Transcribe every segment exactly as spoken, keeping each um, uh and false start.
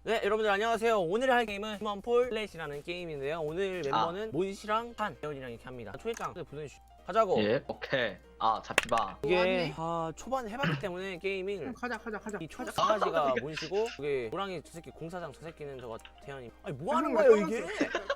네, 여러분들 안녕하세요. 오늘 할 게임은 휴먼폴 플랫이라는 게임인데요. 오늘 멤버는 몬씨랑 한, 대현이랑 이렇게 합니다. 초회장 보내주시죠. 가자고. 예, 오케이. 아, 잡히봐. 이게 아, 초반에 해봤기 때문에 게이밍을 가자 가자 가자. 이 초가지가 몬씨고 이게 호랑이 저 새끼 공사장 저 새끼는 저거 대현이. 아니 뭐 하는 아, 거예요 형, 이게?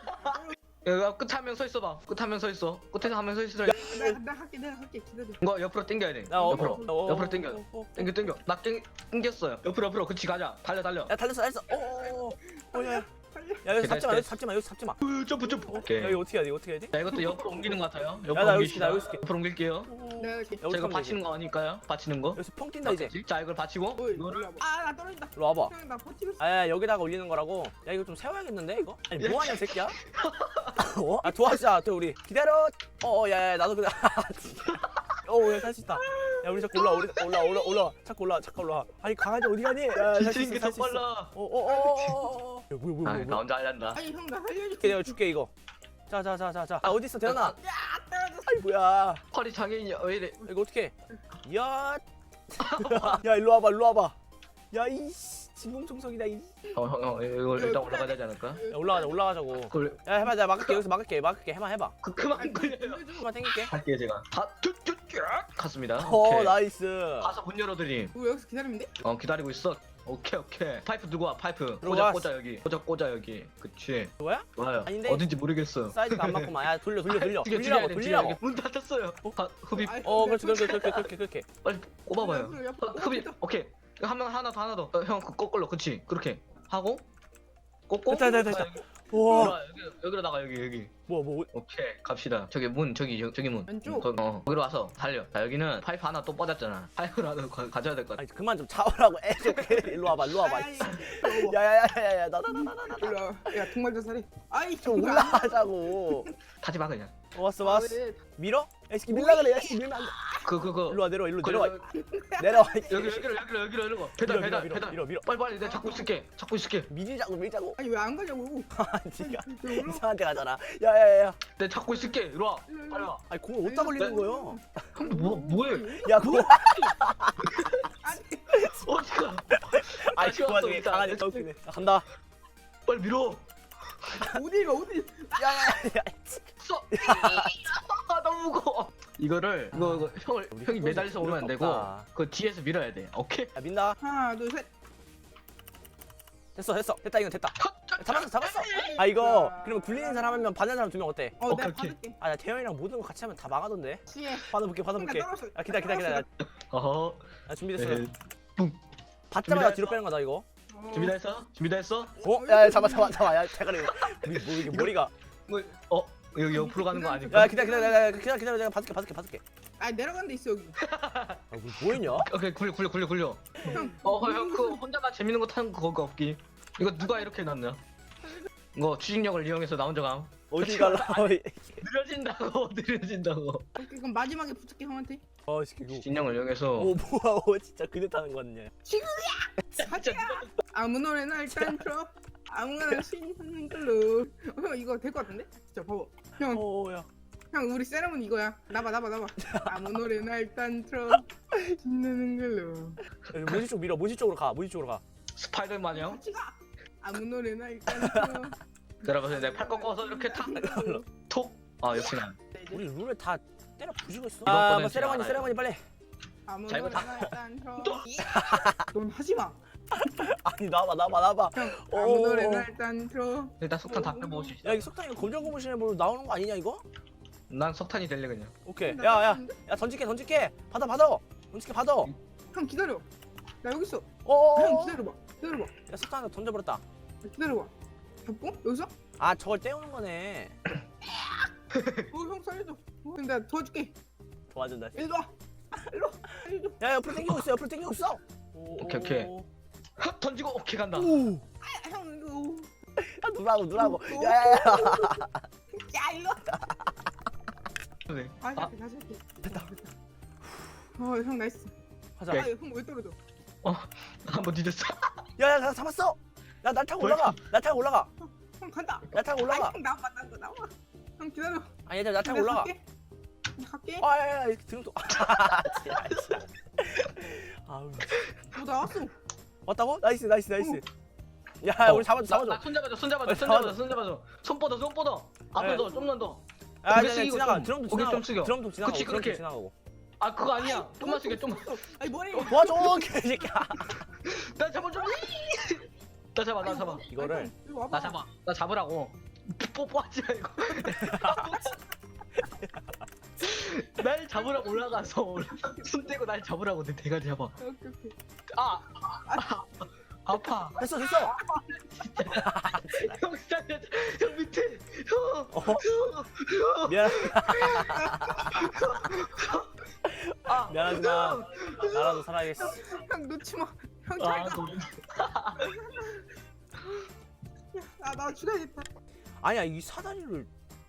여기 끝에 한 명 서 있어봐. 끝에 한 명 서 있어. 끝에 한 명 서 있어. 내가 내가 할게 내가 할게 기다려. 이거 옆으로 당겨야 돼. 나 어, 옆으로. 어, 어, 옆으로 어, 당겨. 어, 어, 어. 당겨, 당겨. 나 땡, 당겼어요. 옆으로, 옆으로. 그치, 가자. 달려, 달려. 야 달렸어 달렸어. 어어어. 어, 야, 야. 빨리. 야 여기 기다려, 잡지 마 여기 잡지 마 여기 잡지 마. 으, 점프, 점프. 야 오케이. 이거 어떻게 해야 돼 이거 어떻게 해야 돼? 자, 이것도 옆으로 옮기는 것 같아요. 옆으로 야, 나 여기 옮기시다. 있을게, 나 여기 있을게. 옆으로 옮길게요. 내가 할게. 여기서 자, 이거 하면 받치는 되지. 거 아닐까요? 받치는 거? 여기서 펑 뛴다 이제. 자, 이걸 받치고. 어이, 이거를. 아나 떨어진다. 일로 와봐. 형 나 버티고 있어. 아 여기다가 올리는 거라고. 야 이거 좀 세워야겠는데 이거? 아니 뭐하냐 새끼야? 어? 아 도와주자 또 우리 기다려. 어어 야야 나도 그래. 어야살 수 있다. 야 우리 자꾸 올라 우리 올라 올라 올라 자꾸 올라 자꾸 올라. 아니 강아지 어디 가니? 야살수 지치는 있어 게더 살수 있어. 빨라. 어어어어. 야 뭐야 뭐야 아, 뭐야. 나 혼자 하란다. 아니 형 나 살려줘. 내가 줄게 이거. 자자자자자. 아 어디 있어 대현아? 야 떨어졌어. 아이 뭐야? 허리 장애인이야. 왜 이래? 이거 어떻게? 야. 야 일로 와봐 일로 와봐. 야 이씨 진공청소기다 이. 어, 형, 형, 이거 일단 올라가야 되지 않을까? 야 올라가자 올라가자고. 그걸, 야 해봐 내가 막을게 여기서 막을게 막을게 해봐 해봐. 그, 그만 걸려요. 조금만 당길게. 할게요, 제가. 다, 쭉, 쭉, 쭉. 갔습니다. 어 오케이. 나이스. 가서 문 열어드림. 우리 여기서 기다리면 돼? 어 기다리고 있어. 오케이 오케이. 파이프 두고 와 파이프. 들어가. 꽂아 꽂아 여기. 꽂아 꽂아 여기. 그치. 뭐야? 좋아요. 아닌데? 어딘지 모르겠어. 사이즈가 안 맞구만. 야 돌려 돌려 돌려. 죽여, 돌리라고 죽여야 돼, 돌리라고. 죽여야 돼. 문 닫혔어요. 아, 흡입. 아이, 어 내가 그렇지 그렇게 돌려. 그렇게 그렇게 그렇게. 빨리 꼽아봐요. 옆으로, 옆으로. 어, 흡입. 오케이. 한 명 하나 더 하나 더. 어, 형그 거꾸로 그치. 그렇게 하고 꽂고. 됐다, 됐다, 됐다. 아, 여기. 와. 들어와, 여기 여기로 나가 여기 여기. 뭐야 뭐. 오케이 갑시다. 저기 문 저기 저- 저기 문. 왼쪽. 거, 어 거기로 와서 달려. 자 여기는 파이프 하나 또 뻗었잖아. 파이프를 하나 가, 가져야 될 것 같아. 아니 그만 좀 잡으라고 애좀 일로 와봐 일로 와봐. 아이, 야야야야야 나나나나나 일로 와. 야 동말 자살해. 아이 좀 올라가자고. 타지 마 그냥. 어, 왔어 왔어. 왜? 밀어? 야 이새끼 밀라 그래. 야 이새끼 밀면 안 돼. 그 그거. 일로 와 내려와 일로 그, 내려와 그, 내려와. 여기 여기로 여기로 여기로 여기로 배달 밀어, 배달 밀어, 배달 밀어, 밀어. 빨리 빨리 내가 잡고 있을게 잡고 있을게 밀자고 밀자고. 아니 왜 안 가냐고. 아 니가 왜 올라? 이상한 데 가잖아. 야야야야. 내가 잡고 있을게 이리 와 일로, 일로. 빨리 와 아니 공을 어디다 걸리는 거요? 형도 뭐 뭐해 야 공. 어디가 아이 다시 그 왔어, 와중에 일단. 강아지 더 웃기네. 나 간다. 빨리 밀어 어디 가 어디? 야야야. 써 아, 너무 무거워 이거를 이거 이거 형을 우리 형이 또 매달려서 오면 안 되고 없다. 그 뒤에서 밀어야 돼 오케이 야 민다. 하나 둘 셋. 됐어 됐어 됐다 이건 됐다. 야, 잡았어 잡았어. 아 이거 그러면 굴리는 사람 한 명 받는 사람 두 명 어때? 어 오케이, 내가 오케이. 받을게. 아나 태현이랑 모든 거 같이 하면 다 막아던데. 시에. 받아볼게 받아볼게. 나 떨어졌어. 야 기다려 기다려 기다려. 어허 나 준비됐어. 네. 받자마자 준비됐어? 뒤로 빼는 거다 이거. 어. 준비다 했어 준비다 했어 어? 야, 야 잡아 잡아 잡아. 야 대가리. 뭐, 뭐 이게 머리가. 뭐, 어 여기 옆으로 가는 거 아닐까 야 기다려 기다려 기다려 기다려 기다려 내가 받을게 받을게 받을게. 아 내려간 데 있어 여기. 아 뭐 있냐? 오케이 굴려 굴려 굴려 굴려 형. 어형그 혼자가 재밌는 거 타는 거 그거 없기 이거 누가 이렇게 해놨냐 이거 추진력을 이용해서 나 혼자 감 어디 갈라? 느려진다고 느려진다고 오케이, 그럼 마지막에 붙을게 형한테. 어 시키 고. 추진력을 이용해서 오 뭐야? 오 진짜 그대 타는 거 같냐? 가자. 아무 노래나 일단 틀어. 아무거나 신는 걸로. 어, 형 이거 될 것 같은데? 진짜 봐봐. 형, 오야. 형 우리 세레모니 이거야. 나봐, 나봐, 나봐. 아무 노래나 일단 틀어. 신나는 걸로. 모지 쪽 밀어. 모지 쪽으로 가. 모지 쪽으로 가. 스파이더맨이요 같이 가. 아무 노래나 일단 틀어. 여러분 내가 팔 꺾어서 이렇게 탁톡아 역시나 우리 룰을 다 때려 부수고 있어. 이번 아, 거는 뭐 제가 세레머니 알아요. 세레머니 빨리. 아무 자, 이거 노래나 일단 틀어. 넌 하지 마. 아니 나봐 나봐 나봐. 형, 오. 아무 노래나 일단 틀어. 일단 석탄 다 빼먹을 수 있어 야 이거 석탄이가 검정 고무신에 뭐 나오는 거 아니냐 이거? 난 석탄이 될래 그냥 오케이. 나 야야 떴는데? 야 던질게 던질게. 받아 받아. 던질게 받아. 형 기다려. 나 여기 있어. 어. 형 기다려봐. 기다려봐. 야 석탄 하나 던져버렸다. 기다려봐. 잡고 여기서? 아 저걸 떼우는 거네. 어, 형 살려줘. 어, 내가 도와줄게. 도와준다. 일로 와. 일로 와. 살려줘. 야 옆으로 당기고 있어. 옆으로 당기고 있어. 오, 오케이, 오케이. 오. 헉, 던지고 오케이 간다 오. 아, 형 이거. 야 누라고 누라고. 오. 야야야. 야 일로 와. 네. 다시 아, 할게 다시 할게. 됐다. 어, 형 나이스. 가자. 아, 형 왜 떨어져? 한번 뒤졌어 야야 나 잡았어. 야 날 타고 올라가. 날 타고 올라가. 형 간다. 날 타고 올라가. 아니, 형 나와 나와 나와. 형 기다려. 아니 얘들 날 타고 내가 올라가. 갈게. 갈게. 아야야 이렇게 등도 지랄 지랄. 아우 어 나왔어. 왔다고? 나이스 나이스 나이스. 야 우리 잡아줘 잡아줘. 나손 잡아줘 손 잡아줘 어, 손 잡아줘. 잡아줘 손 잡아줘 손 뻗어 손 뻗어 앞으로 네. 더 좀만 더. 야 고개 야, 숙이고 지나가. 좀, 드럼도 고개 지나가. 좀 숙여. 드럼도 지나가고. 그치, 드럼도 그렇게. 지나가고. 아 그거 아니야 좀만 숙여 좀만. 아니 머리. 도와줘 개새끼야. 나 잡아 좀. 나 잡아 나 잡아 이거를 이거 와봐. 나 잡아 나 잡으라고. 뽀뽀하지 말고. 날 잡으라고 올라가서 올라가. 손 떼고 날 잡으라고 내 대가리 잡아. 오케이 오케이. 아, 아 아파. 됐어 됐어. 형 살려. 형 밑에. 형. 어 형. 미안 아 미안하지만 나라도 살아야겠어. 형 놓지 마. 형 아, 잘 가. 너무- 아나 죽여야겠다. 아니야 이 사다리를.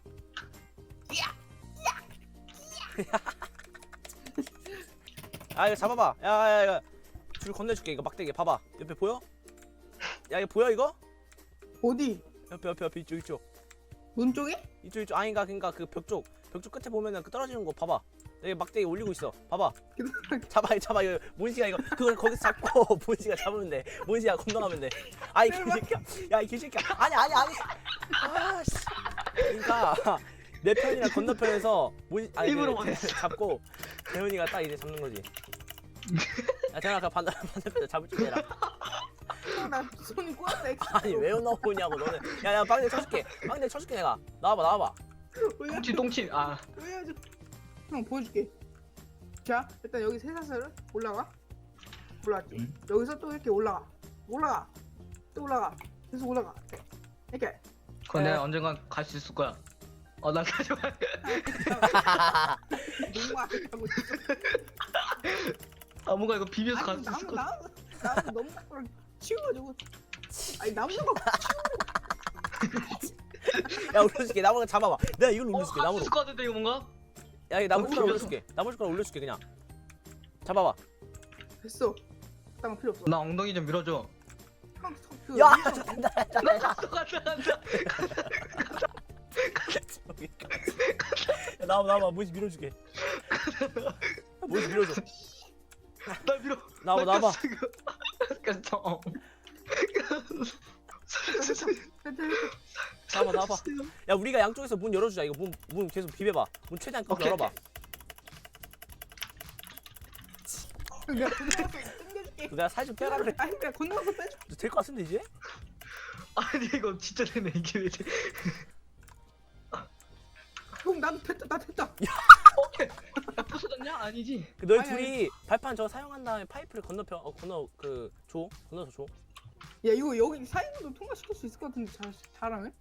아 이거 잡아봐. 야야 야, 줄 건네줄게. 이거 막대기 봐봐. 옆에 보여? 야 이거 보여 이거? 어디? 옆에 옆에 옆에 이쪽 이쪽 문 쪽에? 이쪽 이쪽 아닌가 그니까 그 벽 쪽 벽 쪽 끝에 보면은 그 떨어지는 거 봐봐. 여기 막대기 올리고 있어. 봐봐. 잡아 잡아 이거 몬시가 이거 그걸 거기서 잡고 몬시가 잡으면 돼. 몬시가 건너가면 돼. 아이 개새끼야. 야이 개새끼야. 아니 아니 아니. 아씨. 그러니까 내 편이랑 건너편에서 몬 아니 입으로 그, 보냈어. 잡고 대훈이가 딱 이제 잡는 거지. 야 대훈아 그 반대 반대편 잡을 줄 해라. 형, 나 손이 꼬였어. 엑스. 아니 왜 넣어오냐고 너는. 야야 빵대 쳐줄게. 빵대 쳐줄게 내가. 나와봐 나와봐. 똥치 똥치. 아 보여줘. 형 보여줄게. 자 일단 여기 쇠사슬을 올라가. 올라갔지. 응. 여기서 또 이렇게 올라가. 올라가. 또 올라가. 계속 올라가. 이렇게. 그건 네. 내가 언젠간 갈 수 있을 거야. 어, 난 가져가. 너무 아프다고 있어. 아, 뭔가 이거 비벼서 갈 아니 수 있을 나무 거. 나무 나무 너무 딱 치워가지고. 아니 나무 거 야 올려줄게. 나무를 잡아봐. 내가 이걸 어, 올려줄게. 할수 나무로. 있을 것 같은데 이거 뭔가? 야 이 나무 어, 숟가락 올려줘. 올려줄게. 나무 숟가락 올려줄게 그냥. 잡아봐. 됐어. 땅 필요 없어. 나 엉덩이 좀 밀어줘. 형, 그 야 위에서 잠깐만. 나 갔어, 갔다, 갔다. 야 나와 나와 몬시 밀어줄게. 몬시 밀어줘. 나 밀어. 나와봐 나 나와봐. 갔어, 이거. 갔어. 어. 나와봐 나와봐. 야 우리가 양쪽에서 문 열어주자. 이거 문 문 계속 비벼봐. 문 최대한 꼭 오케이, 열어봐. 내가 건너가서 당겨줄게. 내가 살 좀 빼라 그래. 아니 내가 건너가서 빼줘. 될 것 같은데 이제? 아니 이거 진짜 되네 이게 왜 돼? 형 나도 됐다 나 됐다. 오케이. 야 부서졌냐? 아니지. 그 너희 아니, 둘이 발판 저거 사용한 다음에 파이프를 건너편 어 건너 그 줘. 건너서 줘. 야 이거 여기 사이드도 통과시킬 수 있을 것 같은데 잘 잘하네.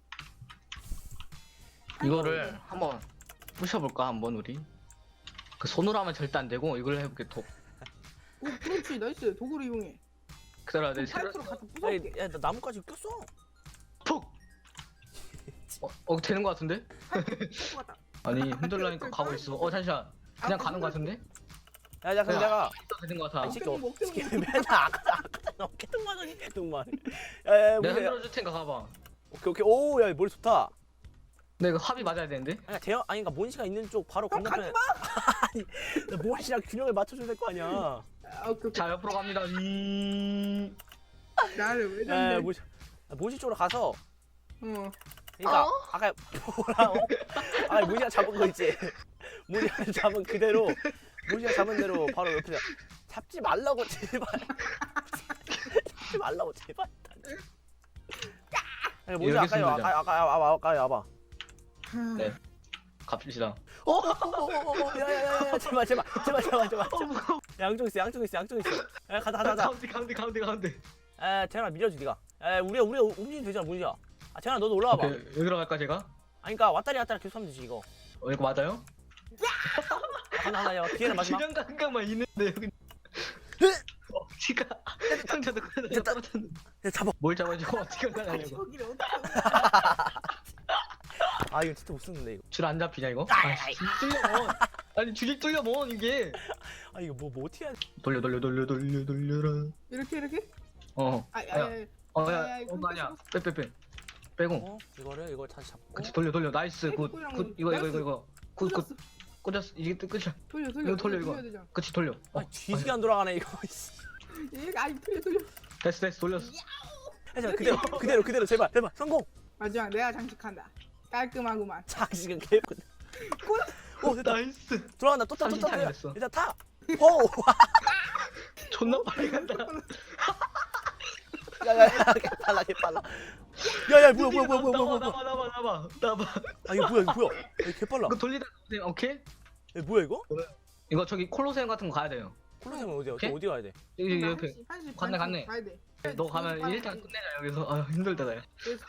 이거를 한번 부셔볼까 한번 우리. 그 손으로 하면 절대 안 되고 이걸 해볼게. 도. 오 그렇지 나이스 도구를 이용해. 기다려 내 형, 새로 파이프로 갖다 야, 부숴볼게. 야, 나 나뭇가지 꼈어. 톡. 어, 어 되는 거 같은데? 파이프 같다. 아니 흔들라니까 가고 있어. 어 잠시만. 그냥 가는 거 같은데? 야, 야, 그럼 야. 내가 또 되는 거 같아. 이 새끼 어깨 좀, 어깨 좀. 새끼 맨날 아까 아까 어깨 뚱만하니 뚱만. 야, 야, 내가 뭐야? 흔들어줄 테니까 가봐. 오케이, 오케이. 오, 야, 머리 좋다. 근데 이거 합이 맞아야 되는데? 아니, 대형 아니, 그러니까 몬시가 있는 쪽 바로 형 건너편에. 가지 마. 나 몬시랑 균형을 맞춰줘야 될 거 아니야. 아, 오케이 오케이. 자 옆으로 갑니다. 음... 나를 왜 야, 잡냐? 몬시, 야, 몬시 쪽으로 가서. 어. 그러니까 어? 아까 뭐라고? 아니 몬시가 잡은 거 있지. 몬시가 잡은 그대로. 몬시가 잡은 대로 바로 옆에 잡지 말라고 제발. 잡지 말라고 제발. 아니, 몬시 여기 아까 요 있습니다. 아까 아까 와봐 아까 와봐. 네. 갑시다. 어, 어, 어, 어, 어, 야야야야, 제발, 제발, 제발, 제발, 제발. 어 무거워. 양쪽 있어, 양쪽 있어, 양쪽 있어. 야, 가자, 가자, 가자. 가운데 가운데 가운데 가운데. 에, 태연아 밀어줘, 네가. 에, 우리, 우리 움직이면 되잖아, 문지야. 아, 태연아, 너도 올라와봐. 오케이, 여기로 갈까 제가? 아니, 그러니까 왔다리 갔다리 계속 하면 되지 이거. 어 이거 맞아요? 아, 하나, 하나, 야, 기회는 마지막. 균형 감각만 있는데 여기. 어, 지가 상자도 그냥 됐다. 떨어졌는데. 야, 잡아. 뭘 잡아주고 어떻게 올라가냐고. 저기를 어떻게? 아, 이거 진짜 못 쓰는데 이거. 줄 안 잡히냐 이거? 아, 줄이 뚫려 뭐. 아니 줄이 뚫려 뭐 이게. 아, 이거 뭐, 뭐 어떻게 해야 돼? 돌려 돌려 돌려 돌려 돌려라. 이렇게 이렇게? 어. 아, 아, 야, 아, 어, 아, 야, 아, 어, 이거 그거 아니야. 끊겼어. 빼, 빼, 빼. 빼고. 어, 이거를 이걸 다시 잡고. 그치, 돌려, 돌려. 나이스. 굿, 꼬이랑 굿. 이거, 이거, 이거, 이거. 굿, 굿. 꽂았어. 꽂았어. 이게 또 끝이야. 돌려 돌려. 이거 돌려, 이거. 돌려야 되잖아. 그치, 돌려. 어, 아, 뒤지게 안 돌아가네 이거. 씨. 얘가 아니 돌려 돌려. 됐어, 됐어. 돌렸어. 하지마 그대로 그대로 그대로 제발 제발 성공. 마지막 내가 장식한다. 깔끔하구만. 장식은 개꿀. 오 됐다. 나이스. 돌아간다 또 타 또 타. 삼십 타임 됐어. 일단 타. 호. 존나 빨리 간다. 야야야 개빨라 개빨라. 야야 뭐야 뭐야 뭐야 뭐야 뭐야 뭐야. 나봐 나봐 나봐 나봐. 아 이거 뭐야 이거 뭐야. 야, 개빨라. 이거 돌리다 보세요. 오케이? 야, 뭐야 이거? 이거 저기 콜로세움 같은 거 가야 돼요. 콜로세움 어디야? 오케이? 또 어디 가야 돼? 여기 나 옆에. 한시- 한시 갔네, 반쯤 갔네. 가야 돼. 너 가면 일단 끝내자 여기서. 아 힘들다 나. 그래서